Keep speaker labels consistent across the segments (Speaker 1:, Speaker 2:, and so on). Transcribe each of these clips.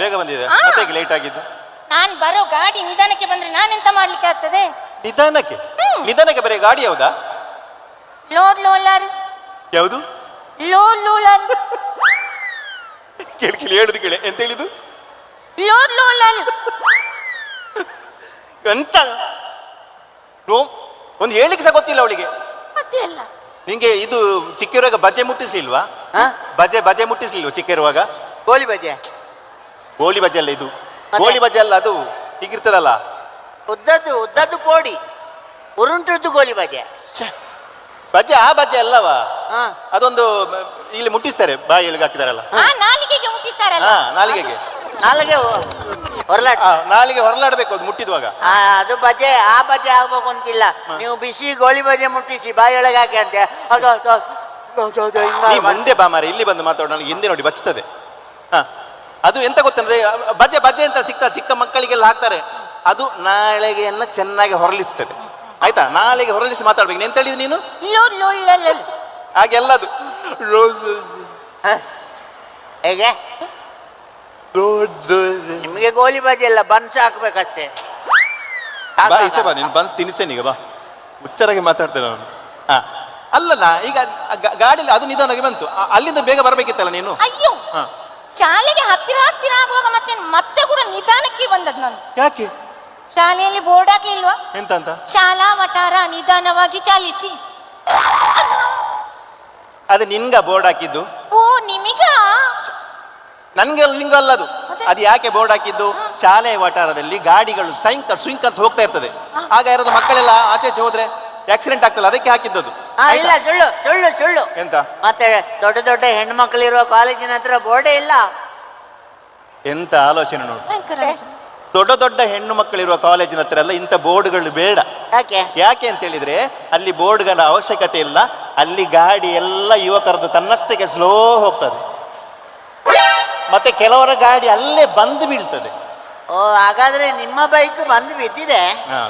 Speaker 1: ಬೇಗ ಬಂದಿದೆ. ಮತ್ತೆ ಲೇಟ್ ಆಗಿದ್ದು.
Speaker 2: ನಾನು ಬರೋ ಗಾಡಿ ನಿಧಾನಕ್ಕೆ ಬಂದ್ರೆ ನಾನೆಂತ ಮಾಡ್ಲಿಕ್ಕೆ ಆಗ್ತದೆ?
Speaker 1: ನಿಧಾನಕ್ಕೆ? ನಿಧಾನಕ್ಕೆ ಬರೀ ಗಾಡಿ ಯಾವ್ದಾ?
Speaker 2: ಲೋಡ್ ಲೋಲರ್.
Speaker 1: ಯಾವುದು?
Speaker 2: ಲೋಡ್ ಲೋಲರ್.
Speaker 1: ಕೇಳಿ ಹೇಳುದು ಕೇಳಿ. ಎಂತ ಹೇಳಿದು?
Speaker 2: ಲೋಡ್ ಲೋಲರ್.
Speaker 1: ಎಂತ ಒಂದು ಹೇಳಿಕ್ಕೆ ಸಹ ಗೊತ್ತಿಲ್ಲ ಅವಳಿಗೆ.
Speaker 2: ಮತ್ತೆ ಅಲ್ಲ
Speaker 1: ನಿಂಗೆ ಇದು ಚಿಕ್ಕಿರುವಾಗ ಬಜೆ ಮುಟ್ಟಿಸ್ಲಿಲ್ವಾ? ಬಜೆ ಮುಟ್ಟಿಸ್ಲಿಲ್ವಾ ಚಿಕ್ಕಿರುವಾಗ?
Speaker 3: ಗೋಳಿ ಬಜೆ.
Speaker 1: ಗೋಳಿ ಬಜೆ ಅಲ್ಲ ಇದು. ಗೋಳಿ ಬಜೆ ಅಲ್ಲ, ಅದು ಹೀಗಿರ್ತದಲ್ಲ
Speaker 3: ಉದ್ದದ್ದು ಪೋಡಿ, ಉರುಂಟದ್ದು ಗೋಳಿ ಬಜೆ.
Speaker 1: ಬಜೆ ಆ ಬಜೆ ಅಲ್ಲವಾ? ಅದೊಂದು ಇಲ್ಲಿ ಮುಟ್ಟಿಸ್ತಾರೆ, ಬಾಯಿಗೆ ಹಾಕಿದಾರಲ್ಲ.
Speaker 2: ನಾಲಿಗೆಗೆ ಮುಟ್ಟಿಸ್ತಾರಲ್ಲ.
Speaker 1: ನಾಲಿಗೆಗೆ ನಾಲಿಗೆ ಹೊರಲಾಡ್ಬೇಕು ಅದು ಮುಟ್ಟಿದ್ವಾಗ.
Speaker 3: ಅದು ಬಜೆ. ಆ ಬಜೆ ಆಗ್ಬೇಕು ಅಂತಿಲ್ಲ. ನೀವು ಬಿಸಿ ಗೋಳಿ ಬಜೆ ಮುಟ್ಟಿಸಿ ಬಾಯಿಯೊಳಗೆ ಹಾಕಿ ಅಂತೆ.
Speaker 1: ಮುಂದೆ ಬಾ ಮಾರೆ, ಇಲ್ಲಿ ಬಂದು ಮಾತಾಡೋಣ. ನನಗೆ ಹಿಂದೆ ನೋಡಿ ಬಚ್ತದೆ. ಅದು ಎಂತ ಗೊತ್ತಂದ್ರೆ ಬಜೆ ಬಜೆ ಅಂತ ಸಿಗ್ತದೆ, ಚಿಕ್ಕ ಮಕ್ಕಳಿಗೆಲ್ಲ ಹಾಕ್ತಾರೆ. ಅದು ನಾಳೆಗೆಯನ್ನ ಚೆನ್ನಾಗಿ ಹೊರಲಿಸ್ತದೆ. ಆಯ್ತಾ? ನಾಳೆಗೆ ಹೊರಲಿಸಿ ಮಾತಾಡ್ಬೇಕು. ಎಂತ ಹೇಳಿದ್ ನೀನು? ಹಾಗೆಲ್ಲದು
Speaker 3: ಹೇಗೆ ನಿಮಗೆ ಗೋಲಿ ಬಜೆ ಎಲ್ಲ ಬನ್ಸ್ ಹಾಕ್ಬೇಕಷ್ಟೇ.
Speaker 1: ಬಾ ನೀನು ಬನ್ಸ್ ತಿನ್ನಿಸ್ತೇನೆ ಈಗ. ಬಾ ಹುಚ್ಚರಾಗಿ ಮಾತಾಡ್ತೇನೆ ನಾನು. ಅಲ್ಲಲ್ಲ, ಈಗ ಗಾಡಿಯಲ್ಲಿ ಅದು ನಿಧಾನವಾಗಿ ಬಂತು, ಅಲ್ಲಿಂದ ಬೇಗ ಬರಬೇಕಿತ್ತಲ್ಲ ನೀನು.
Speaker 2: ಅಯ್ಯೋ, ಶಾಲೆಗೆ ಹತ್ತಿರ ಆಗುವಾಗ ಮತ್ತೆ ಕೂಡ ನಿಧಾನಕ್ಕೆ ಬಂದದ್ದು ನಾನು.
Speaker 1: ಯಾಕೆ?
Speaker 2: ಶಾಲೆಯಲ್ಲಿ ಬೋರ್ಡ್ ಹಾಕ್ಲಿಲ್ವಾ?
Speaker 1: ಎಂತ ಅಂತ?
Speaker 2: ಶಾಲಾ ವಟಾರ ನಿಧಾನವಾಗಿ ಚಾಲಿಸಿ.
Speaker 1: ಅದು ನಿನ್ಗ ಬೋರ್ಡ್ ಹಾಕಿದ್ದು?
Speaker 2: ಓ, ನಿಮಗ?
Speaker 1: ನನ್ಗೆ ನಿಂಗಲ್ಲ ಅದು. ಅದು ಯಾಕೆ ಬೋರ್ಡ್ ಹಾಕಿದ್ದು? ಶಾಲೆಯ ವಟಾರದಲ್ಲಿ ಗಾಡಿಗಳು ಸ್ವಿಂಕ್ ಅಂತ ಹೋಗ್ತಾ ಇರ್ತದೆ. ಆಗ ಯಾರಾದ್ರು ಮಕ್ಕಳೆಲ್ಲ ಆಚೆ ಹೋದ್ರೆ ಆಕ್ಸಿಡೆಂಟ್ ಆಗ್ತಲ್ಲ, ಅದಕ್ಕೆ ಹಾಕಿದ್ದದು.
Speaker 3: ಇಲ್ಲ, ಸುಳ್ಳು ಸುಳ್ಳು ಸುಳ್ಳು.
Speaker 1: ಎಂತ?
Speaker 3: ಮತ್ತೆ ದೊಡ್ಡ ದೊಡ್ಡ ಹೆಣ್ಮಕ್ಳಿರುವ ಕಾಲೇಜಿನ ಹತ್ರ ಬೋರ್ಡೇ ಇಲ್ಲ.
Speaker 1: ಎಂತ ಆಲೋಚನೆ ನೋಡು. ದೊಡ್ಡ ದೊಡ್ಡ ಹೆಣ್ಣು ಮಕ್ಕಳಿರುವ ಕಾಲೇಜಿನ ಹತ್ರ ಎಲ್ಲ ಇಂಥ ಬೋರ್ಡ್ಗಳು ಬೇಡ. ಯಾಕೆ ಅಂತ ಹೇಳಿದ್ರೆ ಅಲ್ಲಿ ಬೋರ್ಡ್ಗಳ ಅವಶ್ಯಕತೆ ಇಲ್ಲ. ಅಲ್ಲಿ ಗಾಡಿ ಎಲ್ಲ ಯುವಕರದ್ದು ತನ್ನಷ್ಟಕ್ಕೆ ಸ್ಲೋ ಹೋಗ್ತದೆ. ಮತ್ತೆ ಕೆಲವರ ಗಾಡಿ ಅಲ್ಲೇ ಬಂದು ಬೀಳ್ತದೆ.
Speaker 3: ಓ, ಹಾಗಾದ್ರೆ ನಿಮ್ಮ ಬೈಕ್ ಬಂದು ಬಿದ್ದಿದೆ.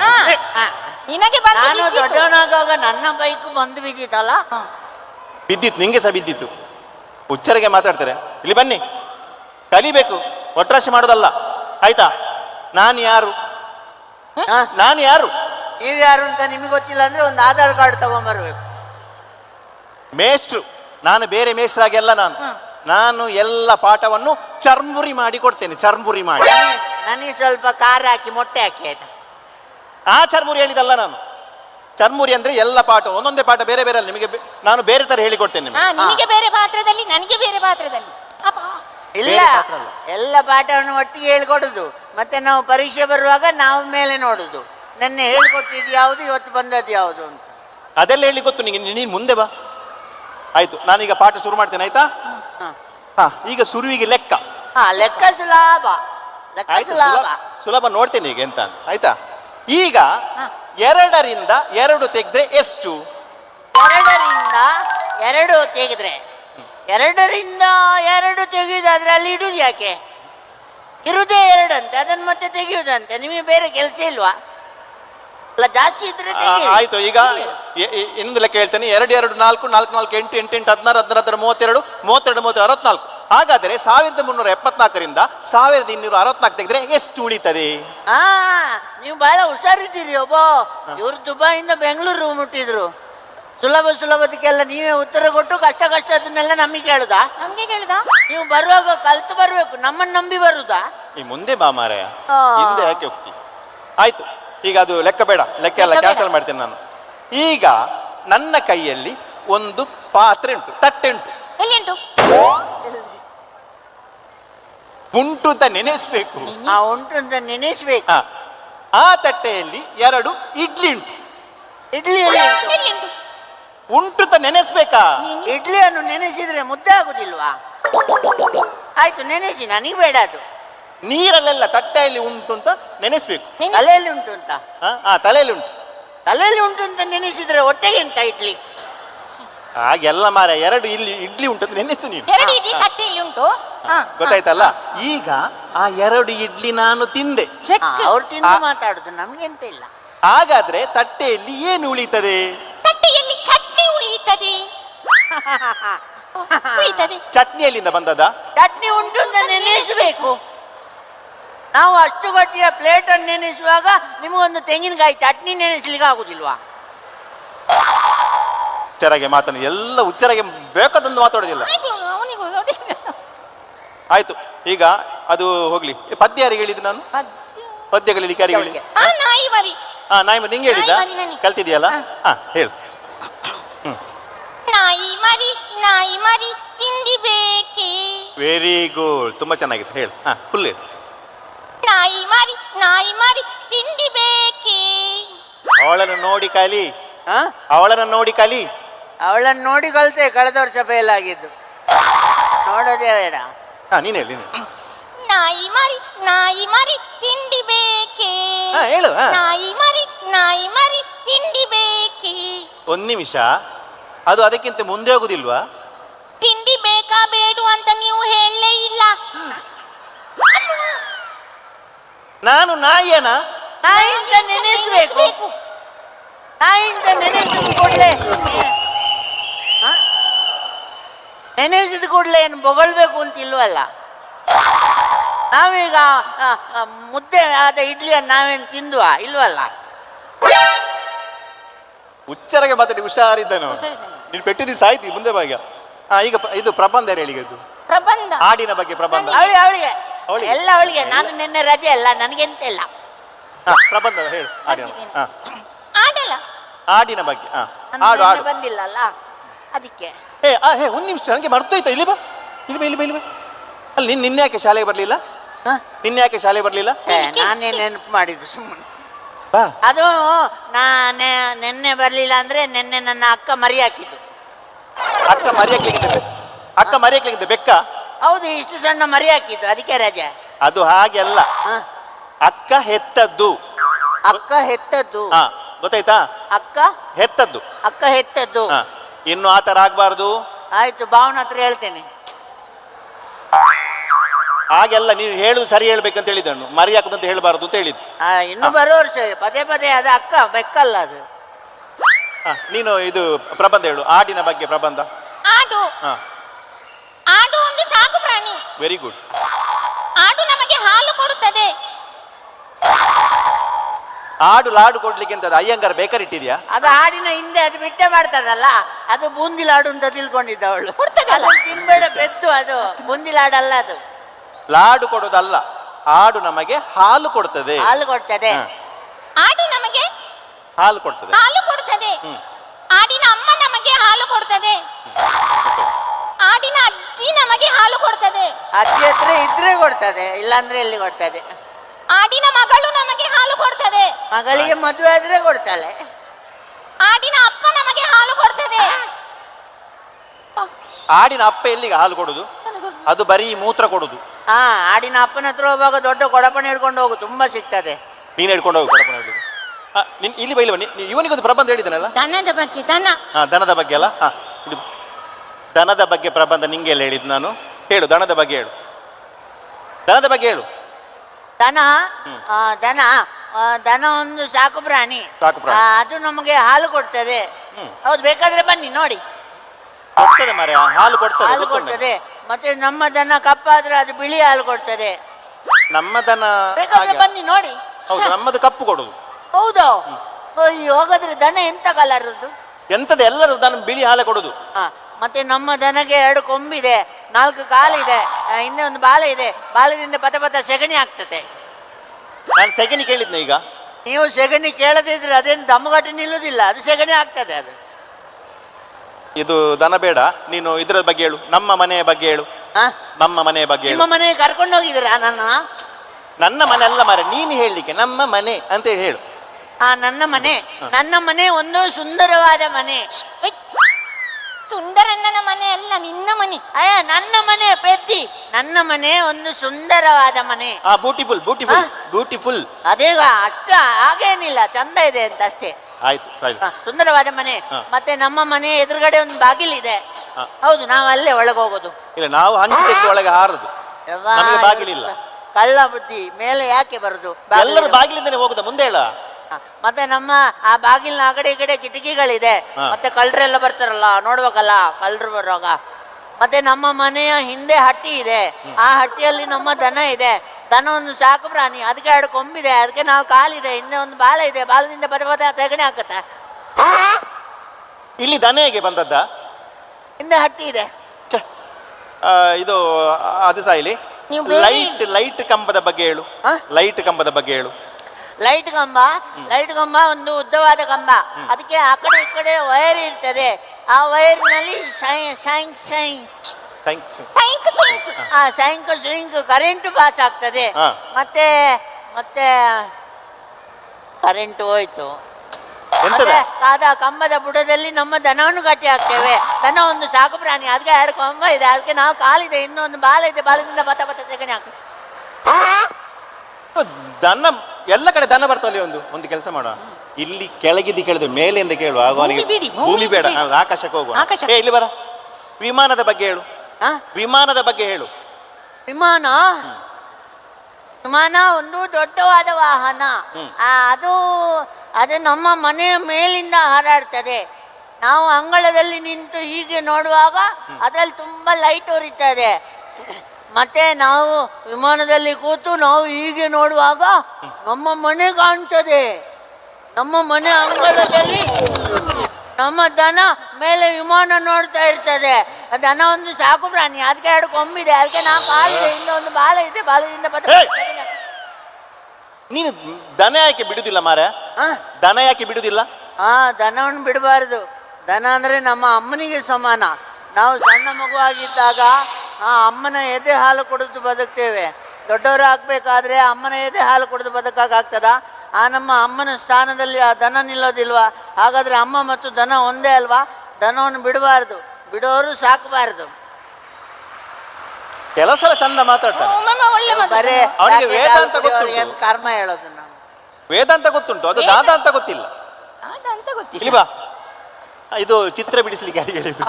Speaker 3: ನಾನು ದೊಡ್ಡವನಾಗುವಾಗ ನನ್ನ ಬೈಕ್ ಬಂದು ಬಿದ್ದಿತ್ತಲ್ಲ.
Speaker 1: ಬಿದ್ದಿತ್ತು, ನಿಂಗೆ ಸಹ ಬಿದ್ದಿತ್ತು. ಹುಚ್ಚರಿಗೆ ಮಾತಾಡ್ತಾರೆ. ಇಲ್ಲಿ ಬನ್ನಿ, ಕಲಿಬೇಕು, ಒಟ್ರಾಶಿ ಮಾಡೋದಲ್ಲ. ಆಯ್ತಾ? ನಾನು ಯಾರು?
Speaker 3: ನೀವು ಯಾರು ಅಂತ ನಿಮಗೆ ಗೊತ್ತಿಲ್ಲ ಅಂದ್ರೆ ಒಂದು ಆಧಾರ್ ಕಾರ್ಡ್ ತಗೊಂಡ್ಬರ್ಬೇಕು.
Speaker 1: ಮೇಷ್ಟ್ರು ನಾನು, ಬೇರೆ ಮೇಷ್ಟ್ರಾಗಿ ಅಲ್ಲ ನಾನು ಎಲ್ಲ ಪಾಠವನ್ನು ಚರ್ಮುರಿ ಮಾಡಿ ಕೊಡ್ತೇನೆ. ಚರ್ಮುರಿ ಮಾಡಿ
Speaker 3: ನನಗೆ ಸ್ವಲ್ಪ ಖಾರ ಹಾಕಿ ಮೊಟ್ಟೆ ಹಾಕಿ, ಆಯ್ತಾ?
Speaker 1: ಆ ಚರ್ಮುರಿ ಹೇಳಿದಲ್ಲ ನಾನು. ಚರ್ಮುರಿ ಅಂದ್ರೆ ಎಲ್ಲ ಪಾಠ, ಒಂದೊಂದೇ ಪಾಠ ಬೇರೆ ಬೇರೆ ಅಲ್ಲ. ನಿಮಗೆ ನಾನು ಬೇರೆ ತರ ಹೇಳಿಕೊಡ್ತೇನೆ.
Speaker 2: ನಿಮಗೆ ಬೇರೆ ಪಾತ್ರದಲ್ಲಿ, ನನಗೆ ಬೇರೆ ಪಾತ್ರದಲ್ಲಿ.
Speaker 3: ಇಲ್ಲ, ಎಲ್ಲ ಪಾಠವನ್ನು ಒಟ್ಟಿಗೆ ಹೇಳ್ಕೊಡುದು. ಮತ್ತೆ ನಾವು ಪರೀಕ್ಷೆ ಬರುವಾಗ ನಾವು ಮೇಲೆ ನೋಡುದು, ನೆನ್ನೆ ಹೇಳ್ಕೊಟ್ಟಿದ್ದು ಯಾವುದು, ಇವತ್ತು ಬಂದದ್ದು ಯಾವುದು ಅಂತ.
Speaker 1: ಅದೆಲ್ಲ ಹೇಳಿ ಗೊತ್ತು ನಿಂಗೆ. ನೀನು ಮುಂದೆ ಬಾ. ಆಯ್ತು, ನಾನೀಗ ಪಾಠ ಶುರು ಮಾಡ್ತೇನೆ. ಆಯ್ತಾ? ಈಗ ಶುರುವಿಗೆ ಲೆಕ್ಕ.
Speaker 3: ಲೆಕ್ಕ ಸುಲಭ.
Speaker 1: ಸುಲಭ ನೋಡ್ತೇನೆ ಈಗ ಎಂತ. ಆಯ್ತಾ? ಈಗ 2ರಿಂದ 2 ತೆಗೆದ್ರೆ ಎಷ್ಟು?
Speaker 3: 2ರಿಂದ 2 ತೆಗೆದ್ರೆ 2ರಿಂದ 2 ತೆಗೆಯುವುದಾದ್ರೆ ಅಲ್ಲಿ ಇಡುದು ಯಾಕೆ? ಇರುವುದೇ 2 ಅಂತೆ, ಅದನ್ನು ಮತ್ತೆ ತೆಗೆಯುವುದಂತೆ. ನಿಮಗೆ ಬೇರೆ ಕೆಲಸ ಇಲ್ವಾ? ಅಲ್ಲ, ಜಾಸ್ತಿ ಇದ್ರೆ
Speaker 1: ಆಯ್ತು. ಈಗ ಇನ್ನೊಂದು ಲೆಕ್ಕ ಹೇಳ್ತೇನೆ. 2 2 4 4 4 8 8 8 16 16 32 32 32 64. ಹಾಗಾದ್ರೆ 1374ರಿಂದ 1264 ತೆಗೆದ್ರೆ ಎಷ್ಟು ಉಳಿತದೆ?
Speaker 3: ನೀವು ಬಹಳ ಹುಷಾರಿದ್ದೀರಿ. ಇವರು ದುಬೈಯಿಂದ ಬೆಂಗಳೂರು ಮುಟ್ಟಿದ್ರು. ಸುಲಭದಕ್ಕೆಲ್ಲ ನೀವೇ ಉತ್ತರ ಕೊಟ್ಟು ಕಷ್ಟದನ್ನೆಲ್ಲ ನಮಗೆ ಕೇಳುದಾ? ನೀವು ಬರುವಾಗ ಕಲ್ತು ಬರ್ಬೇಕು, ನಮ್ಮನ್ನು ನಂಬಿ ಬರುದಾ?
Speaker 1: ಈ ಮುಂದೆ ಬಾ ಮಾರಾಯ, ಹಿಂದೆ ಯಾಕೆ ಹೋಗ್ತಿ? ಆಯ್ತು, ಈಗ ಅದು ಲೆಕ್ಕ ಬೇಡ, ಲೆಕ್ಕ ಎಲ್ಲ ಕ್ಯಾನ್ಸಲ್ ಮಾಡ್ತೇನೆ ನಾನು. ಈಗ ನನ್ನ ಕೈಯಲ್ಲಿ ಒಂದು ಪಾತ್ರೆ ಉಂಟು, ತಟ್ಟೆ ಉಂಟು. ಉಂಟು ಅಂತ ನೆನೆಸ್ಬೇಕು.
Speaker 3: ಉಂಟು ಅಂತ ನೆನೆಸ್ಬೇಕು.
Speaker 1: ಆ ತಟ್ಟೆಯಲ್ಲಿ 2 ಇಡ್ಲಿ ಉಂಟು.
Speaker 3: ಇಡ್ಲಿ
Speaker 1: ಉಂಟು ಅಂತ ನೆನೆಸ್ಬೇಕಾ?
Speaker 3: ಇಡ್ಲಿಯನ್ನು ನೆನೆಸಿದ್ರೆ ಮುದ್ದೆ ಆಗುದಿಲ್ವಾ? ಆಯ್ತು, ನೆನೆಸಿ, ನನಗೆ ಬೇಡ ಅದು.
Speaker 1: ನೀರಲ್ಲೆಲ್ಲ ತಟ್ಟೆಯಲ್ಲಿ ಉಂಟು ಅಂತ ನೆನೆಸ್ಬೇಕು.
Speaker 3: ತಲೆಯಲ್ಲಿ ಉಂಟು ಅಂತ?
Speaker 1: ತಲೆಯಲ್ಲಿ ಉಂಟು.
Speaker 3: ತಲೆಯಲ್ಲಿ ಉಂಟು ಅಂತ ನೆನೆಸಿದ್ರೆ ಹೊಟ್ಟೆಗೆ ಎಂತ ಇಡ್ಲಿ?
Speaker 1: ಹಾಗೆಲ್ಲ ಮಾರ, 2 ಇಡ್ಲಿ ಉಂಟು ಅಂತ ನೆನೆಸು ನೀನು. ಗೊತ್ತಾಯ್ತಲ್ಲ? ಈಗ ಆ 2 ಇಡ್ಲಿ ನಾನು ತಿಂದೆ.
Speaker 3: ಅವ್ರು ತಿಂದು ಮಾತಾಡುದು, ನಮ್ಗೆಂತ ಇಲ್ಲ.
Speaker 1: ಹಾಗಾದ್ರೆ ತಟ್ಟೆಯಲ್ಲಿ ಏನು ಉಳಿತದೆ?
Speaker 2: ತಟ್ಟೆಯಲ್ಲಿ ಚಟ್ನಿ ಉಳಿಯುತ್ತದೆ.
Speaker 1: ಚಟ್ನಿ ಎಲ್ಲಿಂದ ಬಂದದ?
Speaker 3: ಚಟ್ನಿ ಉಂಟು ಅಂತ ನೆನೆಸಬೇಕು. ನಾವು ಅಷ್ಟು ಗಟ್ಟಿಯ ಪ್ಲೇಟ್ ಅನ್ನು ನೆನೆಸುವಾಗ ನಿಮಗೊಂದು ತೆಂಗಿನಕಾಯಿ ಚಟ್ನಿ ನೆನೆಸ್ಲಿಕ್ಕೆ ಆಗುದಿಲ್ವಾ?
Speaker 1: ಹುಚ್ಚರಾಗೆ ಮಾತನ್ನು ಎಲ್ಲ ಹುಚ್ಚರಾಗೆ ಬೇಕಾದಂದು ಮಾತಾಡೋದಿಲ್ಲ.
Speaker 2: ಆಯ್ತು ಅವನಿಗೂ ದೊಡ್ಡ
Speaker 1: ಆಯ್ತು, ಈಗ ಅದು ಹೋಗ್ಲಿ. ಪದ್ಯ ಯಾರಿಗೆ ಹೇಳಿದ್ದು ನಾನು? ಪದ್ಯಗಳಲ್ಲಿ ಯಾರಿಗೆ ಹೇಳಿ?
Speaker 2: ನಾಯಿ ಮರಿ.
Speaker 1: ನಾಯಿ ಮರಿ ನಿಂಗೆ ಹೇಳಿದ್ದ?
Speaker 2: ನಾಯಿ ಮರಿ ನನಗೆ.
Speaker 1: ಕಲ್ತಿದ್ಯಲ್ಲ? ಹೇಳು.
Speaker 2: ನಾಯಿ ಮರಿ ತಿಂಡಿ ಬೇಕೇ.
Speaker 1: ವೆರಿ ಗುಡ್, ತುಂಬಾ ಚೆನ್ನಾಗಿತ್ತು. ಹೇಳು. ಫುಲ್ ಹೇಳು.
Speaker 2: ನಾಯಿ ಮರಿ ತಿಂಡಿ ಬೇಕೇ.
Speaker 1: ಅವಳನ್ನು ನೋಡಿ ಕಲಿ, ಅವಳನ್ನು ನೋಡಿ ಕಲಿ.
Speaker 3: ಅವಳನ್ನು ನೋಡಿ ಕಲಿತೆ ಕಳೆದ ವರ್ಷ ಫೇಲ್ ಆಗಿದ್ದು, ನೋಡೋದೇ ಬೇಡ.
Speaker 1: ನೀನು ಹೇಳಿ.
Speaker 2: ನಾಯಿ ಮರಿ ತಿಂಡಿ ಬೇಕೇ.
Speaker 1: ಹೇಳು.
Speaker 2: ನಾಯಿ ಮರಿ ತಿಂಡಿ ಬೇಕೇ.
Speaker 1: ಒಂದ್ ನಿಮಿಷ, ಅದು ಅದಕ್ಕಿಂತ ಮುಂದೆ ಹೋಗುದಿಲ್ವಾ?
Speaker 2: ತಿಂಡಿ ಬೇಕಾ ಬೇಡು ಅಂತ ನೀವು ಹೇಳಲೇ ಇಲ್ಲ.
Speaker 1: ನಾನು ನಾಯಿಯನ?
Speaker 3: ನಾಯಿಂದ ನೆನೆಸ್ಬೇಕು. ನಾಯಿಂದ ನೆನೆಸಿದ ಕೂಡಲೇ ನೆನೆಸಿದ ಕೂಡಲೇ ಏನು ಬೊಗಳ್ಬೇಕು ಅಂತ ಇಲ್ವಲ್ಲ. ನಾವೀಗ ಮುದ್ದೆ ಆದ ಇಡ್ಲಿಯನ್ನು ನಾವೇನು ತಿಂದುವ ಇಲ್ವಲ್ಲ.
Speaker 1: ಹುಚ್ಚರಾಗೆ ಮಾತಾಡಿ ಹುಷಾರಿದ್ದನು. ನೀನು ಪೆಟ್ಟಿದ್ದು ಸಾಯ್ತಿ ಮುಂದೆ ಭಾಗ. ಈಗ ಇದು ಪ್ರಬಂಧ ಹೇಳಿ. ಇದು
Speaker 2: ಪ್ರಬಂಧ,
Speaker 1: ಹಾಡಿನ ಬಗ್ಗೆ ಪ್ರಬಂಧ.
Speaker 3: ಅವಳಿಗೆ ಎಲ್ಲ ಅವಳಿಗೆ. ನಾನು ನಿನ್ನೆ ರಜೆ ಅಲ್ಲ, ನನಗೆಂತ ಇಲ್ಲ.
Speaker 1: ಪ್ರಬಂಧ ಹೇಳು.
Speaker 2: ಆಡಲ್ಲ.
Speaker 1: ಹಾಡಿನ ಬಗ್ಗೆ. ಹಾಡು ಹಾಡು.
Speaker 3: ಬಂದಿಲ್ಲ ಅಲ್ಲ ಅದಕ್ಕೆ.
Speaker 1: ಒಂದ್ ನಿಮಿಷ, ನನಗೆ ಮರ್ತೋಯ್ತಾ? ಇಲ್ಲಿ ಬಾ, ಇಲ್ಲಿ ಬಾ, ಇಲ್ಲಿ ಬಾ, ಇಲ್ಲಿ ಬಾ. ಅಲ್ಲಿ ನಿನ್ನೆ ಯಾಕೆ ಶಾಲೆಗೆ ಬರ್ಲಿಲ್ಲ? ನಿನ್ನೆ ಯಾಕೆ ಶಾಲೆ ಬರ್ಲಿಲ್ಲ?
Speaker 3: ನಾನೇ ನೆನಪು ಮಾಡಿದ್ದು ಸುಮ್ಮನೆ.
Speaker 1: ಬಾ.
Speaker 3: ಅದು ನಾನೇ ನೆನ್ನೆ ಬರ್ಲಿಲ್ಲ ಅಂದ್ರೆ ನೆನ್ನೆ ನನ್ನ ಅಕ್ಕ ಮರಿ ಹಾಕಿದ್ದು.
Speaker 1: ಅಕ್ಕ ಮರಿಯಾಕ್ಲಿಕ್ಕೆ, ಅಕ್ಕ ಮರಿಯಾಕ್ಲಿಕ್ಕೆ ಬೆಕ್ಕ.
Speaker 3: ಹೌದು, ಇಷ್ಟು ಸಣ್ಣ ಮರಿ ಹಾಕಿದ್ದು, ಅದಕ್ಕೆ ರಜೆ.
Speaker 1: ಅದು ಹಾಗೆ ಅಲ್ಲ, ಅಕ್ಕ ಹೆತ್ತದ್ದು.
Speaker 3: ಅಕ್ಕ ಹೆತ್ತದ್ದು.
Speaker 1: ಗೊತ್ತಾಯ್ತಾ?
Speaker 3: ಅಕ್ಕ
Speaker 1: ಹೆತ್ತದ್ದು.
Speaker 3: ಅಕ್ಕ ಹೆತ್ತದ್ದು.
Speaker 1: ಇನ್ನು ಆ ತರ ಆಗ್ಬಾರ್ದು.
Speaker 3: ಆಯ್ತು, ಭಾವನ ಹತ್ರ ಹೇಳ್ತೇನೆ.
Speaker 1: ಹಾಗೆಲ್ಲ ನೀನು ಹೇಳುದು ಸರಿ ಹೇಳ್ಬೇಕಂತ ಹೇಳಿದಣ್ಣು. ಮರಿ ಹಾಕುದಂತ ಹೇಳ್ಬಾರ್ದು ಅಂತ ಹೇಳಿದ್ದು.
Speaker 3: ಇನ್ನು ಬರೋ ವರ್ಷ ಪದೇ ಪದೇ ಅದು ಅಕ್ಕ ಬೆಕ್ಕಲ್ಲ ಅದು.
Speaker 1: ನೀನು ಇದು ಪ್ರಬಂಧ ಹೇಳು, ಹಾಡಿನ ಬಗ್ಗೆ ಪ್ರಬಂಧ.
Speaker 2: ಆಡು. ಆಡು ಒಂದು ಸಾಕು ಪ್ರಾಣಿ.
Speaker 1: Very good.
Speaker 2: ಆಡು ನಮಗೆ ಹಾಲು ಕೊಡುತ್ತದೆ.
Speaker 1: ಆಡು ಲಾಡು ಕೊಡ್ಲಿಕ್ಕೆ ಅಂತ ಅಯ್ಯಂಗಾರ ಬೇಕಾರಿಟ್ಟಿದ್ಯಾ?
Speaker 3: ಅದು ಹಾಡಿನ ಹಿಂದೆ ಅದು ಬಿಟ್ಟೆ ಮಾಡ್ತದಲ್ಲ, ಅದು ಬೂಂದಿ ಲಾಡು ಅಂತ ತಿಳ್ಕೊಂಡಿದ್ದ ಅವಳು.
Speaker 2: ಕೊಡ್ತದಲ್ಲ,
Speaker 3: ತಿನ್ಬೇಡ ಬೆದ್ದು, ಅದು ಬೂಂದಿ ಲಾಡಲ್ಲ. ಅದು
Speaker 1: ಲಾಡು ಕೊಡೋದಲ್ಲ, ಆಡು ನಮಗೆ ಹಾಲು ಕೊಡ್ತದೆ.
Speaker 3: ಹಾಲು ಕೊಡ್ತದೆ.
Speaker 2: ಆಡು ನಮಗೆ
Speaker 1: ಹಾಲು ಕೊಡ್ತದೆ.
Speaker 2: ಹಾಲು ಕೊಡುತ್ತದೆ. ಆಡಿನ ಅಮ್ಮ ನಮಗೆ ಹಾಲು ಕೊಡುತ್ತದೆ. ಆಡಿನ ಅಜ್ಜಿ ನಮಗೆ ಹಾಲು ಕೊಡುತ್ತದೆ.
Speaker 3: ಅಜ್ಜಿ ಹತ್ರ ಇದ್ರೆ ಕೊಡ್ತದೆ, ಇಲ್ಲಾಂದ್ರೆ ಎಲ್ಲಿ ಕೊಡ್ತದೆ.
Speaker 2: ಆಡಿನ ಮಗಳು ನಮಗೆ ಹಾಲು ಕೊಡುತ್ತದೆ.
Speaker 3: ಮಗಳಿಗೆ ಮದುವೆ ಆದ್ರೆ ಕೊಡ್ತಾಳೆ.
Speaker 2: ಆಡಿನ ಅಪ್ಪ ನಮಗೆ ಹಾಲು ಕೊಡುತ್ತದೆ.
Speaker 1: ಆಡಿನ ಅಪ್ಪ ಎಲ್ಲಿಗೆ ಹಾಲು ಕೊಡುದು? ಅದು ಬರೀ ಮೂತ್ರ ಕೊಡುದು.
Speaker 3: ಆಡಿನ ಅಪ್ಪನ ಹತ್ರ ಹೋಗುವಾಗ ದೊಡ್ಡ ಕೊಡಪಣೆ ಹಿಡ್ಕೊಂಡು ಹೋಗು, ತುಂಬಾ ಸಿಗ್ತದೆ.
Speaker 1: ನೀನು ಹಿಡ್ಕೊಂಡು ಹೋಗು ಕೊಡಪಣೆ ಹಿಡಿದು. ಇಲ್ಲಿ ಬೈಲ್ವ, ಇವನಿಗೊಂದು ಪ್ರಬಂಧ ಹೇಳಿದ್ದಾನಲ್ಲ,
Speaker 2: ದನದ ಬಗ್ಗೆ.
Speaker 1: ದನದ ಬಗ್ಗೆ ಅಲ್ಲ? ಇದು ದನದ ಬಗ್ಗೆ ಪ್ರಬಂಧ ನಿಂಗೆ ಎಲ್ಲ ಹೇಳಿದ್ದು ನಾನು. ಹೇಳು, ದನದ ಬಗ್ಗೆ ಹೇಳು. ದನದ ಬಗ್ಗೆ ಹೇಳು.
Speaker 3: ದನ ದನ ದನ ಒಂದು ಸಾಕು ಪ್ರಾಣಿ. ಅದು ನಮಗೆ ಹಾಲು ಕೊಡ್ತದೆ. ಹೌದು, ಬೇಕಾದ್ರೆ ಬನ್ನಿ ನೋಡಿ.
Speaker 1: ಕೊಡ್ತದೆ ಮರೆ, ಹಾಲು ಕೊಡ್ತದೆ.
Speaker 3: ಹಾಲು ಕೊಡ್ತದೆ. ಮತ್ತೆ ನಮ್ಮ ದನ ಕಪ್ಪಾದ್ರೆ ಅದು ಬಿಳಿ ಹಾಲು ಕೊಡ್ತದೆ.
Speaker 1: ನಮ್ಮ ದನ
Speaker 3: ಬೇಕಾದ್ರೆ ಬನ್ನಿ ನೋಡಿ.
Speaker 1: ಹೌದು, ನಮ್ಮದು ಕಪ್ಪು ಕೊಡುದು.
Speaker 3: ಹೌದು. ಹೋಗಾದ್ರೆ ದನ ಎಂತ ಕಲರ್?
Speaker 1: ಎಂತದ, ಎಲ್ಲರೂ ದನ ಬಿಳಿ ಹಾಲು ಕೊಡುದು.
Speaker 3: ಮತ್ತೆ ನಮ್ಮ ದನಗೆ 2 ಕೊಂಬಿದೆ, 4 ಕಾಲಿದೆ, ಹಿಂದೆ ಒಂದು ಬಾಲ ಇದೆ. ಬಾಲದಿಂದ ಪದ ಪದ ಸೆಗಣಿ ಆಗ್ತದೆ.
Speaker 1: ನಾನು ಸೆಗಣಿ ಕೇಳಿದ್ನ. ಈಗ
Speaker 3: ನೀವು ಸೆಗಣಿ ಕೇಳದಿದ್ರೆ ಅದೇನು ದಮ್ಮಗಟ್ಟಿ ನಿಲ್ಲುವುದಿಲ್ಲ, ಅದು ಸೆಗಣಿ ಆಗ್ತದೆ. ಅದು
Speaker 1: ಇದು ದನ ಬೇಡ, ನೀನು ಇದರ ಬಗ್ಗೆ ಹೇಳು. ನಮ್ಮ ಮನೆಯ ಬಗ್ಗೆ ಹೇಳು. ನಮ್ಮ ಮನೆಯ ಬಗ್ಗೆ.
Speaker 3: ನಿಮ್ಮ ಮನೆಗೆ ಕರ್ಕೊಂಡು ಹೋಗಿದ್ದೀರಾ ನನ್ನ?
Speaker 1: ನನ್ನ ಮನೆ ಅಲ್ಲ ಮಾರೆ, ನೀನು ಹೇಳಲಿಕ್ಕೆ ನಮ್ಮ ಮನೆ ಅಂತ ಹೇಳು.
Speaker 3: ನನ್ನ ಮನೆ ಒಂದು ಸುಂದರವಾದ ಮನೆ.
Speaker 2: ಸುಂದರಣ್ಣನ ಮನೆ ಅಲ್ಲ, ನಿನ್ನ ಮನೆ.
Speaker 3: ನನ್ನ ಮನೆ ಪೆದ್ದಿ. ನನ್ನ ಮನೆ ಒಂದು ಸುಂದರವಾದ ಮನೆ.
Speaker 1: Beautiful beautiful beautiful.
Speaker 3: ಅದೇಗ ಅಷ್ಟ ಹಾಗೇನಿಲ್ಲ, ಚಂದ ಇದೆ ಅಂತ ಅಷ್ಟೇ.
Speaker 1: ಆಯ್ತು, ಸರಿ.
Speaker 3: ಸುಂದರವಾದ ಮನೆ. ಮತ್ತೆ ನಮ್ಮ ಮನೆ ಎದುರುಗಡೆ ಒಂದು ಬಾಗಿಲಿದೆ. ಹೌದು, ನಾವು ಅಲ್ಲೇ ಒಳಗೆ ಹೋಗೋದು.
Speaker 1: ಇಲ್ಲ, ನಾವು ಹಂಚಿ ತೆಗೆದು ಒಳಗೆ ಹಾರುದು. ಬಾಗಿಲಿಲ್ಲ.
Speaker 3: ಕಳ್ಳ ಬುದ್ಧಿ, ಮೇಲೆ ಯಾಕೆ ಬರುದು?
Speaker 1: ಎಲ್ಲರೂ ಬಾಗಿಲಿಂದನೇ ಹೋಗುದ, ಮುಂದೆ ಹೇಳ.
Speaker 3: ಮತ್ತೆ ನಮ್ಮ ಆ ಬಾಗಿಲಿನ ಆ ಕಡೆ ಈ ಕಡೆ ಕಿಟಕಿಗಳಿದೆ. ಮತ್ತೆ ಕಳ್ಳರೆಲ್ಲ ಬರ್ತಾರಲ್ಲ, ನೋಡ್ಬೇಕಲ್ಲ ಕಳ್ಳರು ಬರುವಾಗ. ಮತ್ತೆ ನಮ್ಮ ಮನೆಯ ಹಿಂದೆ ಹಟ್ಟಿ ಇದೆ. ಆ ಹಟ್ಟಿಯಲ್ಲಿ ನಮ್ಮ ದನ ಇದೆ. ದನ ಒಂದು ಸಾಕು ಪ್ರಾಣಿ, ಅದಕ್ಕೆ 2 ಕೊಂಬಿದೆ, ಅದಕ್ಕೆ 4 ಕಾಲಿದೆ, ಹಿಂದೆ ಒಂದು ಬಾಲ ಇದೆ, ಬಾಲದಿಂದ ಪದ ಪದ ತೆಗಣೆ ಹಾಕತ್ತೆ.
Speaker 1: ಇಲ್ಲಿ ದನ ಹೇಗೆ ಬಂದದ್ದ?
Speaker 3: ಹಿಂದೆ ಹಟ್ಟಿ ಇದೆ.
Speaker 1: ಛೆ, ಇದು ಅದು ಸಾಯಿಲಿ.
Speaker 2: ನೀವು ಬೇರೆ
Speaker 1: ಲೈಟ್ ಕಂಬದ ಬಗ್ಗೆ ಹೇಳು. ಲೈಟ್ ಕಂಬದ ಬಗ್ಗೆ ಹೇಳು.
Speaker 3: ಲೈಟ್ ಕಂಬ ಒಂದು ಉದ್ದವಾದ ಕಂಬ, ಅದಕ್ಕೆ ಆ ಕಡೆ ಈ ಕಡೆ ವೈರ್ ಇರ್ತದೆ. ಆ ವೈರ್ನಲ್ಲಿ ಸ್ವಿಂಕ್ ಕರೆಂಟ್ ಪಾಸ್ ಆಗ್ತದೆ.
Speaker 1: ಹಾ.
Speaker 3: ಮತ್ತೆ ಕರೆಂಟ್ ಹೋಯ್ತು.
Speaker 1: ಎಂತದ?
Speaker 3: ಅದ ಕಂಬದ ಬುಡದಲ್ಲಿ ನಮ್ಮ ದನವನ್ನು ಕಟ್ಟಿ ಹಾಕ್ತೇವೆ. ದನ ಒಂದು ಸಾಕು ಪ್ರಾಣಿ, ಅದಕ್ಕೆ 2 ಕಂಬ ಇದೆ, ಅದಕ್ಕೆ 4 ಕಾಲಿದೆ, ಇನ್ನೊಂದು ಬಾಲ ಇದೆ, ಬಾಲದಿಂದ ಪತ ಪತ ಸೆಗಣಿ ಹಾಕ್ತೇವೆ.
Speaker 1: ದನ ಎಲ್ಲ ಕಡೆ ದನ ಬರ್ತಲ್ಲಿ. ಒಂದು ಕೆಲಸ ಮಾಡುವ, ಇಲ್ಲಿ ಕೆಳಗಿದ್ದು ಕೇಳಿದ್ರು ಮೇಲೆಯಿಂದ ಕೇಳುವ. ಆಗ ಅವನಿಗೆ
Speaker 2: ಭೂಮಿ ಬಿಡಿ,
Speaker 1: ಭೂಮಿ ಬೇಡ,
Speaker 2: ಬಿಡಿ.
Speaker 1: ಆಕಾಶಕ್ಕೆ ಹೋಗುವ.
Speaker 2: ಆಕಾಶ.
Speaker 1: ಇಲ್ಲಿ ಬರ. ವಿಮಾನದ ಬಗ್ಗೆ ಹೇಳು. ವಿಮಾನದ ಬಗ್ಗೆ ಹೇಳು.
Speaker 3: ವಿಮಾನ ಒಂದು ದೊಡ್ಡವಾದ ವಾಹನ. ಅದು ನಮ್ಮ ಮನೆಯ ಮೇಲಿಂದ ಹಾರಾಡ್ತದೆ. ನಾವು ಅಂಗಳದಲ್ಲಿ ನಿಂತು ಹೀಗೆ ನೋಡುವಾಗ ಅದರಲ್ಲಿ ತುಂಬ ಲೈಟ್ ಉರಿತದೆ. ಮತ್ತೆ ನಾವು ವಿಮಾನದಲ್ಲಿ ಕೂತು ನಾವು ಹೀಗೆ ನೋಡುವಾಗ ನಮ್ಮ ಮನೆ ಕಾಣ್ತದೆ. ನಮ್ಮ ಮನೆ ಅಂಗಳದಲ್ಲಿ ನಮ್ಮ ದನ ಮೇಲೆ ವಿಮಾನ ನೋಡ್ತಾ ಇರ್ತದೆ. ದನ ಒಂದು ಸಾಕು ಪ್ರಾಣಿ, ಅದಕ್ಕೆ 2 ಕೊಂಬಿದೆ, ಅದಕ್ಕೆ 4 ಕಾಲಿದೆ, ಇನ್ನೊಂದು ಬಾಲ ಇದೆ, ಬಾಲದಿಂದ
Speaker 1: ನೀನು ದನ ಯಾಕೆ ಬಿಡುದಿಲ್ಲ ಮಾರ? ದನ ಯಾಕೆ ಬಿಡುದಿಲ್ಲ?
Speaker 3: ದನವನ್ನು ಬಿಡಬಾರ್ದು. ದನ ಅಂದ್ರೆ ನಮ್ಮ ಅಮ್ಮನಿಗೆ ಸಮಾನ. ನಾವು ಸಣ್ಣ ಮಗುವಾಗಿದ್ದಾಗ ಅಮ್ಮನ ಎದೆ ಹಾಲು ಕುಡಿದು ಬದುಕ್ತೇವೆ. ದೊಡ್ಡವರು ಆಗ್ಬೇಕಾದ್ರೆ ಅಮ್ಮನ ಎದೆ ಹಾಲು ಕುಡಿದು ಬದುಕಾಗ್ತದ? ನಮ್ಮ ಅಮ್ಮನ ಸ್ಥಾನದಲ್ಲಿ ಆ ದನ ನಿಲ್ಲೋದಿಲ್ವಾ? ಹಾಗಾದ್ರೆ ಅಮ್ಮ ಮತ್ತು ದನ ಒಂದೇ ಅಲ್ವಾ? ದನವನ್ನು ಬಿಡಬಾರ್ದು, ಬಿಡೋರು ಸಾಕಬಾರ್ದು.
Speaker 1: ಕೆಲವು ಸಲ ಚಂದ ಮಾತಾಡ್ತಾನೆ.
Speaker 3: ಬರೇ
Speaker 1: ಅವನಿಗೆ ವೇದಾಂತ ಗೊತ್ತುಂಟು.
Speaker 3: ಏನು ಕರ್ಮ ಹೇಳೋದು ನಾನು?
Speaker 1: ವೇದಾಂತ ಗೊತ್ತುಂಟು, ಅದು ದಾದ ಅಂತ ಗೊತ್ತಿಲ್ಲ. ಇಲ್ಲಿ ಬಾ. ಇದು ಚಿತ್ರ ಬಿಡಿಸ್ಲಿಕ್ಕೆ ಯಾರಿಗೆ ಹೇಳಿದ್ದು?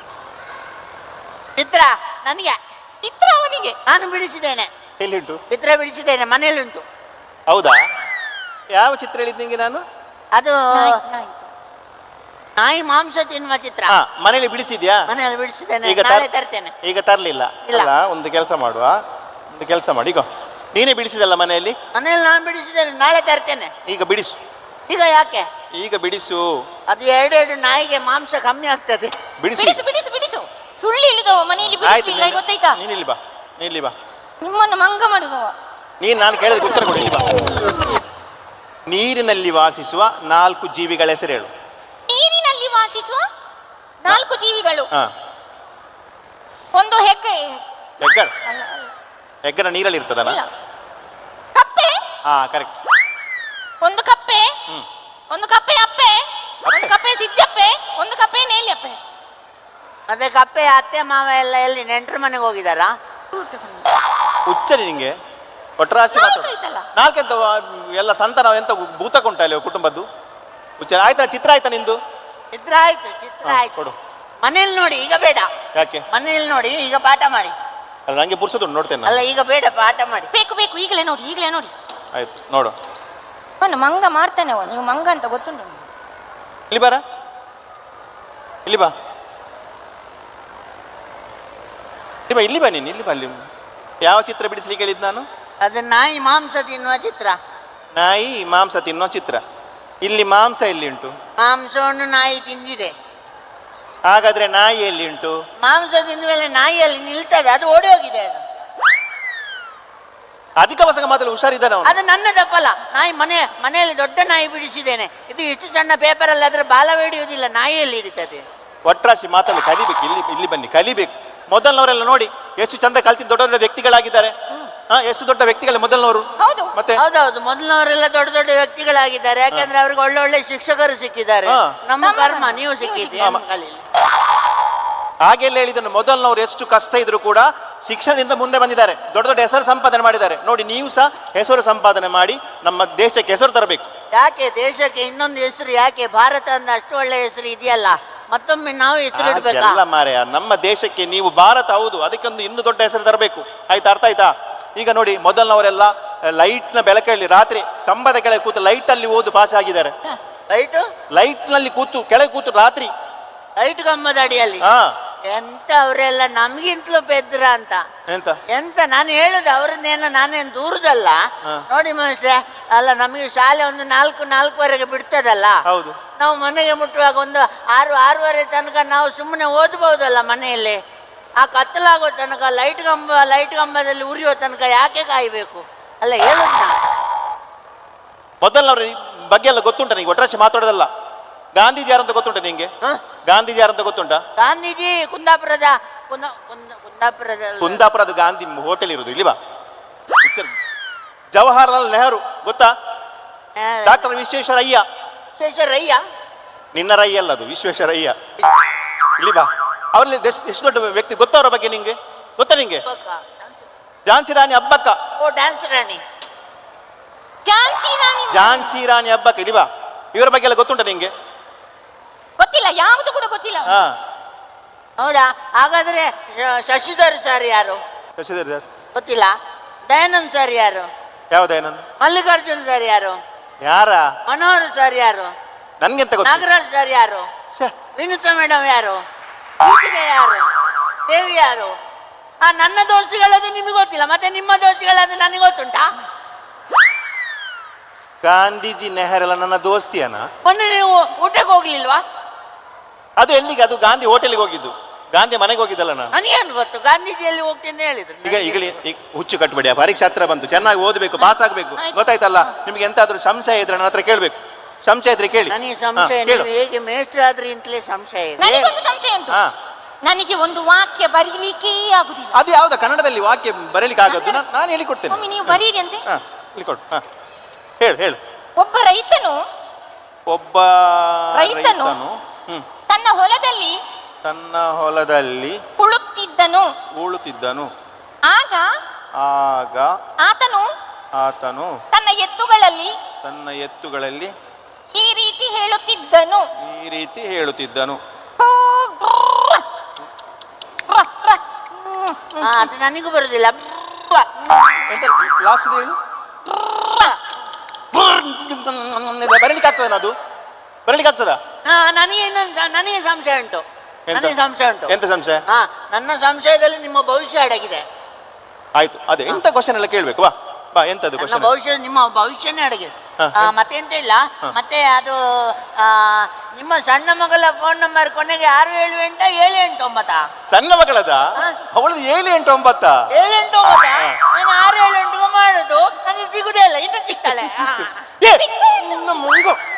Speaker 3: ಚಿತ್ರ ನನಗೆ,
Speaker 2: ಚಿತ್ರ ಅವನಿಗೆ.
Speaker 3: ನಾನು ಬಿಡಿಸಿದ್ದೇನೆ.
Speaker 1: ಎಲ್ಲಿಂಟು
Speaker 3: ಚಿತ್ರ ಬಿಡಿಸಿದ್ದೇನೆ, ಮನೆಯಲ್ಲಿ ಉಂಟು.
Speaker 1: ಹೌದಾ? ಯಾವ ಚಿತ್ರ ಹೇಳಿದ್ದು ನಿಂಗೆ ನಾನು?
Speaker 3: ಅದು ನಾಯಿ ಮಾಂಸ ತಿನ್ನುವ ಚಿತ್ರ.
Speaker 1: ಮನೇಲಿ ಬಿಡಿಸಿದ್ಯಾ?
Speaker 3: ಮನೆಯಲ್ಲಿ ಬಿಡಿಸಿದ್ದೇನೆ,
Speaker 1: ಈಗ
Speaker 3: ನಾಳೆ ತರ್ತೇನೆ.
Speaker 1: ಈಗ ತರ್ಲಿಲ್ಲ?
Speaker 3: ಇಲ್ಲ.
Speaker 1: ಒಂದು ಕೆಲಸ ಮಾಡುವ, ಒಂದು ಕೆಲಸ ಮಾಡಿ. ಈಗ ನೀನೇ ಬಿಡಿಸಿದಲ್ಲ ಮನೆಯಲ್ಲಿ?
Speaker 3: ಮನೆಯಲ್ಲಿ ನಾನು ಬಿಡಿಸಿದ್ದೇನೆ, ನಾಳೆ ತರ್ತೇನೆ.
Speaker 1: ಈಗ ಬಿಡಿಸು.
Speaker 3: ಈಗ ಯಾಕೆ?
Speaker 1: ಈಗ ಬಿಡಿಸು.
Speaker 3: ಅದು 2 ನಾಯಿಗೆ ಮಾಂಸ ಕಮ್ಮಿ ಆಗ್ತದೆ.
Speaker 1: ಬಿಡಿಸಿ.
Speaker 2: ಬಿಡಿಸು. ಸುಳ್ಳು ಹೇಳಿದವ ಮನೆಯಲ್ಲಿ ಬಿಡಿಸಿಲ್ಲ, ಗೊತ್ತಾಯ್ತಾ?
Speaker 1: ನೀನಿಲ್ಲಿ ಬಾ, ನೀನಿಲ್ಲಿ ಬಾ.
Speaker 2: ನಿಮ್ಮನ್ನು ಮಂಗ ಮಾಡಿದವ
Speaker 1: ನೀನು ನಾನು ಕೇಳಿದ ಉತ್ತರ ಕೊಡಿ. ಇಲ್ಲಿ ಬಾ. ನೀರಿನಲ್ಲಿ ವಾಸಿಸುವ 4 ಜೀವಿಗಳ ಹೆಸರು ಹೇಳು.
Speaker 2: ನೀರಿನಲ್ಲಿ ವಾಸಿಸುವ 4 ಜೀವಿಗಳು. ಒಂದು ಹೆಗ್ಗಣ.
Speaker 1: ಹೆಗ್ಗಣ ನೀರಲ್ಲಿ ಇರ್ತದಲ್ಲ?
Speaker 2: ಕಪ್ಪೆ.
Speaker 1: ಕರೆಕ್ಟ್.
Speaker 2: ಒಂದು ಕಪ್ಪೆ, ಒಂದು ಕಪ್ಪೆ ಅಪ್ಪೆ, ಒಂದು ಕಪ್ಪೆ ಸಿದ್ದಪ್ಪೆ, ಒಂದು ಕಪ್ಪೆ ನೇಲಿಯಪ್ಪೆ.
Speaker 3: ಅದೇ ಕಪ್ಪೆ ಅತ್ತೆ ಮಾವ ಎಲ್ಲ ಎಲ್ಲಿ ನೆಂಟರ ಮನೆಗೆ ಹೋಗಿದಾರಾ?
Speaker 1: ಹುಚ್ಚರಿ ನಿಂಗೆ ಒಟ್ಟರಾಶಿ ಮಾತಾಡ. 4 ಎಂತ ಎಲ್ಲ ಸಂತಾನ ಎಂತ ಭೂತಕ ಉಂಟಲ್ಲ ಕುಟುಂಬದ್ದು? ಹುಚ್ಚ. ಆಯ್ತಾ? ಚಿತ್ರ ಆಯ್ತಾ ನಿಂದು?
Speaker 3: ಚಿತ್ರ ಆಯ್ತು
Speaker 1: ಕೊಡು.
Speaker 3: ಮನೇಲಿ ನೋಡಿ, ಈಗ ಬೇಡ.
Speaker 1: ಯಾಕೆ?
Speaker 3: ಮನೇಲಿ ನೋಡಿ, ಈಗ ಪಾಠ ಮಾಡಿ.
Speaker 1: ಅಲ್ಲ, ನಂಗೆ ಪುರ್ಸೋದು ನೋಡ್ತೇನೆ.
Speaker 3: ಅಲ್ಲ, ಈಗ ಬೇಡ, ಪಾಠ ಮಾಡಿ.
Speaker 2: ಬೇಕು ಈಗಲೇ ನೋಡಿ.
Speaker 1: ಆಯ್ತು, ನೋಡು.
Speaker 2: ಅವನು ಮಂಗ ಮಾಡ್ತಾನೆ. ನೀವು ಮಂಗ ಅಂತ ಗೊತ್ತುಂಟು.
Speaker 1: ಇಲ್ಲಿ ಬಾ. ಇಲ್ಲಿ ಬಾ ನೀನು. ಇಲ್ಲಿ ಬಾ. ಅಲ್ಲಿ ಯಾವ ಚಿತ್ರ ಬಿಡಿಸ್ಲಿಕ್ಕೆ ಹೇಳಿದ್ದು ನಾನು?
Speaker 3: ಅದು ನಾಯಿ ಮಾಂಸ ತಿನ್ನುವ ಚಿತ್ರ.
Speaker 1: ನಾಯಿ ಮಾಂಸ ತಿನ್ನೋ ಚಿತ್ರ. ಇಲ್ಲಿ ಮಾಂಸ ಎಲ್ಲಿ ಉಂಟು?
Speaker 3: ಮಾಂಸವನ್ನು ನಾಯಿ ತಿಂದಿದೆ.
Speaker 1: ಹಾಗಾದ್ರೆ ನಾಯಿ ಎಲ್ಲಿ ಉಂಟು?
Speaker 3: ಮಾಂಸ ತಿಂದ ಮೇಲೆ ನಾಯಿಯಲ್ಲಿ ನಿಲ್ತದೆ, ಅದು ಓಡಿ ಹೋಗಿದೆ. ಅದು
Speaker 1: ಅಧಿಕ ವಸಗ ಮಾತಲ್ಲಿ ಹುಷಾರಿದ್ದಾನೆ ಅವನು.
Speaker 3: ಅದು ನನ್ನ ತಪ್ಪಲ್ಲ. ನಾಯಿ ಮನೆಯಲ್ಲಿ ದೊಡ್ಡ ನಾಯಿ ಬಿಡಿಸಿದ್ದೇನೆ. ಇದು ಇಷ್ಟು ಸಣ್ಣ ಪೇಪರಲ್ಲಿ ಅದರ ಬಾಲ ಹಿಡಿಯುವುದಿಲ್ಲ, ನಾಯಿಯಲ್ಲಿ ಹಿಡಿತದೆ.
Speaker 1: ಒಟ್ರಾಶಿ ಮಾತಲ್ಲಿ ಕಲಿಬೇಕು. ಇಲ್ಲಿ ಬನ್ನಿ, ಕಲಿಬೇಕು. ಮೊದಲನವರೆಲ್ಲ ನೋಡಿ ಎಷ್ಟು ಚಂದ ಕಲ್ತಿದ್ದ ದೊಡ್ಡ ದೊಡ್ಡ ವ್ಯಕ್ತಿಗಳಾಗಿದ್ದಾರೆ. ಎಷ್ಟು ದೊಡ್ಡ ವ್ಯಕ್ತಿಗಳೇ ಮೊದಲನವರು. ಮತ್ತೆ
Speaker 3: ಹೌದೌದು, ಮೊದಲನವರೆಲ್ಲ ದೊಡ್ಡ ದೊಡ್ಡ ವ್ಯಕ್ತಿಗಳಾಗಿದ್ದಾರೆ. ಯಾಕಂದ್ರೆ ಅವ್ರಿಗೆ ಒಳ್ಳೆ ಶಿಕ್ಷಕರು ಸಿಕ್ಕಿದ್ದಾರೆ. ನಮ್ಮ ಕರ್ಮ ನೀವು ಸಿಕ್ಕಿದ್ದೀರಿ.
Speaker 1: ಹಾಗೆಲ್ಲ ಹೇಳಿದನು. ಮೊದಲನವರು ಎಷ್ಟು ಕಷ್ಟ ಇದ್ರು ಕೂಡ ಶಿಕ್ಷಣದಿಂದ ಮುಂದೆ ಬಂದಿದ್ದಾರೆ, ದೊಡ್ಡ ದೊಡ್ಡ ಹೆಸರು ಸಂಪಾದನೆ ಮಾಡಿದ್ದಾರೆ. ನೋಡಿ, ನೀವು ಸಹ ಹೆಸರು ಸಂಪಾದನೆ ಮಾಡಿ ನಮ್ಮ ದೇಶಕ್ಕೆ ಹೆಸರು ತರಬೇಕು.
Speaker 3: ಯಾಕೆ ದೇಶಕ್ಕೆ ಇನ್ನೊಂದು ಹೆಸರು ಯಾಕೆ? ಭಾರತ ಅಂತ ಅಷ್ಟು ಒಳ್ಳೆ ಹೆಸರು ಇದೆಯಲ್ಲ, ಮತ್ತೊಮ್ಮೆ ನಾವು ಹೆಸರು ಇಡಬೇಕು.
Speaker 1: ಎಲ್ಲ ಮಾರ್ಯ, ನಮ್ಮ ದೇಶಕ್ಕೆ ನೀವು ಭಾರತ ಹೌದು, ಅದಕ್ಕೊಂದು ಇನ್ನೂ ದೊಡ್ಡ ಹೆಸರು ತರಬೇಕು. ಆಯ್ತಾ? ಅರ್ಥ ಆಯ್ತಾ? ಈಗ ನೋಡಿ, ಮೊದಲನವರೆಲ್ಲ ಲೈಟ್ನ ಬೆಳಕಲ್ಲಿ ರಾತ್ರಿ ಕಂಬದ ಕೆಳಗೆ ಕೂತು ಲೈಟಲ್ಲಿ ಓದು ಪಾಸ್ ಆಗಿದ್ದಾರೆ.
Speaker 3: ಲೈಟ್
Speaker 1: ನಲ್ಲಿ ಕೂತು ಕೆಳಗೆ ಕೂತು ರಾತ್ರಿ
Speaker 3: ಲೈಟ್ ಕಂಬದ ಅಡಿಯಲ್ಲಿ. ಎಂತ ಅವರೆಲ್ಲ ನಮ್ಗಿಂತಲೂ ಬೆದ್ರ ಅಂತ.
Speaker 1: ಎಂತ
Speaker 3: ಎಂತ ನಾನು ಹೇಳುದು ಅವ್ರನ್ನೇನೋ ನಾನೇನು ದೂರದಲ್ಲ.
Speaker 1: ಹಾ.
Speaker 3: ನೋಡಿ ಮನುಷ್ಯ ಅಲ್ಲ, ನಮಗೆ ಶಾಲೆ ಒಂದು 4-4:30 ಬಿಡ್ತದಲ್ಲ.
Speaker 1: ಹೌದು.
Speaker 3: ನಾವು ಮನೆಗೆ ಮುಟ್ಟುವಾಗ ಒಂದು 6-6:30 ತನಕ ನಾವು ಸುಮ್ಮನೆ ಓದ್ಬಹುದಲ್ಲ ಮನೆಯಲ್ಲಿ. ಆ ಕತ್ತಲಾಗೋ ತನಕ ಲೈಟ್ ಕಂಬದಲ್ಲಿ ಉರಿಯೋ ತನಕ ಯಾಕೆ ಕಾಯಬೇಕು ಅಲ್ಲ ಹೇಳುದು ನಾನು.
Speaker 1: ಮೊದಲನವ್ರ ಬಗ್ಗೆ ಎಲ್ಲ ಗೊತ್ತುಂಟ ನಿಂಗೆ? ಒಟ್ರಾಶಿ ಮಾತಾಡೋದಲ್ಲ. ಗಾಂಧೀಜಿ ಯಾರಂತ ಗೊತ್ತುಂಟ ನಿಂಗೆ? ಗಾಂಧೀಜಿ ಯಾರಂತ ಗೊತ್ತುಂಟ?
Speaker 3: ಗಾಂಧೀಜಿ ಕುಂದಾಪುರದ
Speaker 1: ಕುಂದಾಪುರದ ಗಾಂಧಿ ಹೋಟೆಲ್ ಇರುವುದು ಇಲ್ಲಿ ಬಾ. ಜವಾಹರ್ಲಾಲ್ ನೆಹರು ಗೊತ್ತಾ? ಡಾಕ್ಟರ್ ವಿಶ್ವೇಶ್ವರಯ್ಯ.
Speaker 3: ವಿಶ್ವೇಶ್ವರಯ್ಯ
Speaker 1: ನಿನ್ನ ರೈ ಅಲ್ಲ, ಅದು ವಿಶ್ವೇಶ್ವರಯ್ಯ. ಇಲ್ಲಿ ಬಾ. ಅವರಲ್ಲಿ ಎಷ್ಟು ದೊಡ್ಡ ವ್ಯಕ್ತಿ ಗೊತ್ತಾ ಅವರ ಬಗ್ಗೆ ನಿಂಗೆ? ಗೊತ್ತಾ ನಿಂಗೆ? ಝಾನ್ಸಿ ರಾಣಿ ಅಬ್ಬಕ್ಕ.
Speaker 3: ಓ ಡ್ಯಾನ್ಸ್ ರಾಣಿ.
Speaker 1: ಝಾನ್ಸಿ ರಾಣಿ ಅಬ್ಬಕ್ಕ. ಇಲ್ಲಿ ಬಾ. ಇವರ ಬಗ್ಗೆ ಎಲ್ಲ ಗೊತ್ತುಂಟ ನಿಂಗೆ?
Speaker 2: ಗೊತ್ತಿಲ್ಲ, ಯಾವುದು ಕೂಡ ಗೊತ್ತಿಲ್ಲ.
Speaker 1: ಹಾ,
Speaker 3: ಹೌದಾ? ಹಾಗಾದ್ರೆ ಶಶಿಧರ್ ಸರ್ ಯಾರು?
Speaker 1: ಶಶಿಧರ್ ಸರ್
Speaker 3: ಗೊತ್ತಿಲ್ಲ. ದಯಾನಂದ್ ಸರ್ ಯಾರು?
Speaker 1: ಯಾವ್ದೇನಂದು?
Speaker 3: ಮಲ್ಲಿಕಾರ್ಜುನ್ ಸರ್ ಯಾರು?
Speaker 1: ಯಾರ?
Speaker 3: ಮನೋಹರ್ ಸರ್ ಯಾರು?
Speaker 1: ನನ್ಗೆಂತ ಗೊತ್ತ?
Speaker 3: ನಾಗರಾಜ್ ಸರ್ ಯಾರು? ವಿನುತಾ ಮೇಡಮ್ ಯಾರು? ಗೀತಿಗೆ ಯಾರು? ದೇವಿ ಯಾರು? ನನ್ನ ದೋಷಿಗಳದು ನಿಮಗೆ ಗೊತ್ತಿಲ್ಲ, ಮತ್ತೆ ನಿಮ್ಮ ದೋಷಿಗಳದು ನನಗೆ ಗೊತ್ತುಂಟಾ?
Speaker 1: ಗಾಂಧೀಜಿ ನೆಹರೆಲ್ಲ ನನ್ನ ದೋಸ್ತಿಯನ?
Speaker 3: ಮೊನ್ನೆ ನೀವು ಊಟಕ್ಕೆ ಹೋಗ್ಲಿಲ್ವಾ?
Speaker 1: ಅದು ಎಲ್ಲಿಗೆ? ಅದು ಗಾಂಧಿ ಹೋಟೆಲ್ಗೆ ಹೋಗಿದ್ದು, ಗಾಂಧಿ ಮನೆಗೆ ಹೋಗಿದ್ದಲ್ಲ ನಾನು.
Speaker 3: ನನಗೇನು ಗೊತ್ತು ಗಾಂಧೀಜಿಯಲ್ಲಿ ಹೋಗ್ತೇನೆ ಹೇಳಿದ್ರು.
Speaker 1: ಈಗ ಹುಚ್ಚು ಕಟ್ಬೇಡಿ. ಆ ಪರೀಕ್ಷೆ ಹತ್ರ ಬಂತು, ಚೆನ್ನಾಗಿ ಓದಬೇಕು, ಪಾಸ್ ಆಗ್ಬೇಕು. ಗೊತ್ತಾಯ್ತಲ್ಲ? ನಿಮ್ಗೆ ಎಂತಾದ್ರೂ ಸಂಶಯ ಇದ್ರೆ ನನ್ನ ಹತ್ರ ಕೇಳ್ಬೇಕು. ಸಂಶಯ ಇದ್ರೆ ಕೇಳಿ.
Speaker 3: ನನಗೆ ಸಂಶಯ ನೀವು ಹೇಗೆ ಮೇಷ್ಟ್ರಾದ್ರೂ ಇಂತಲೇ ಸಂಶಯ ಇದೆ.
Speaker 2: ನನಗೊಂದು ಸಂಶಯ ಉಂಟು. ನನಗೆ ಒಂದು ವಾಕ್ಯ ಬರೀಲಿಕ್ಕೇ ಆಗುದಿಲ್ಲ.
Speaker 1: ಅದು ಯಾವ್ದ? ಕನ್ನಡದಲ್ಲಿ ವಾಕ್ಯ ಬರೀಲಿಕ್ಕೆ ಆಗೋದು? ನಾನು ಹೇಳಿ ಕೊಡ್ತೇನೆ.
Speaker 2: ಒಮ್ಮೆ ನೀವು ಬರೀರಿ ಅಂತೆ.
Speaker 1: ಇಲ್ಲಿ ಕೊಡು. ಹೇಳು ಹೇಳು.
Speaker 2: ಒಬ್ಬ ರೈತನು ತನ್ನ ಹೊಲದಲ್ಲಿ
Speaker 1: ಉಳುತ್ತಿದ್ದನು.
Speaker 2: ಆಗ ಆತನು ತನ್ನ ಎತ್ತುಗಳಲ್ಲಿ ಈ ರೀತಿ ಹೇಳುತ್ತಿದ್ದನು.
Speaker 3: ಅದು ನನಗೂ ಬರುದಿಲ್ಲ.
Speaker 1: ಲಾಸ್ಟ್ ಹೇಳು. ಬರಲಿಕ್ಕೆ ಆಗ್ತದ? ಅದು ಬರಲಿಕ್ಕೆ ಆಗ್ತದ?
Speaker 3: ನನಗೆ ಸಂಶಯ ಉಂಟು. ನನಗೆ ಸಂಶಯ ಉಂಟು.
Speaker 1: ಎಂತ ಸಂಶಯ?
Speaker 3: ನನ್ನ ಸಂಶಯದಲ್ಲಿ ನಿಮ್ಮ ಭವಿಷ್ಯ ಅಡಗಿದೆ.
Speaker 1: ಆಯ್ತು, ಅದೇ ಎಂತ ಕ್ವಶನ್ ಎಲ್ಲ ಕೇಳ್ಬೇಕು. ಬಾ ಬಾ. ಎಂತದ್ದು ಕ್ವಶನ್?
Speaker 3: ಭವಿಷ್ಯ, ನಿಮ್ಮ ಭವಿಷ್ಯನೇ ಅಡಗಿದೆ. ಮತ್ತೆ ಎಂತ ಇಲ್ಲ. ಮತ್ತೆ ಅದು ನಿಮ್ಮ ಸಣ್ಣ ಮಗಳ ಫೋನ್ ನಂಬರ್ ಕೊನೆಗೆ 678 789.
Speaker 1: ಸಣ್ಣ ಮಗಳದ? ಅವಳದು 789.
Speaker 3: 789. ನಾನು 678 ಮಾಡುದು, ನನಗೆ ಸಿಗುದೇ ಇಲ್ಲ. ಇನ್ನು ಸಿಗ್ತಾಳೆ.
Speaker 1: ಮುಂಗು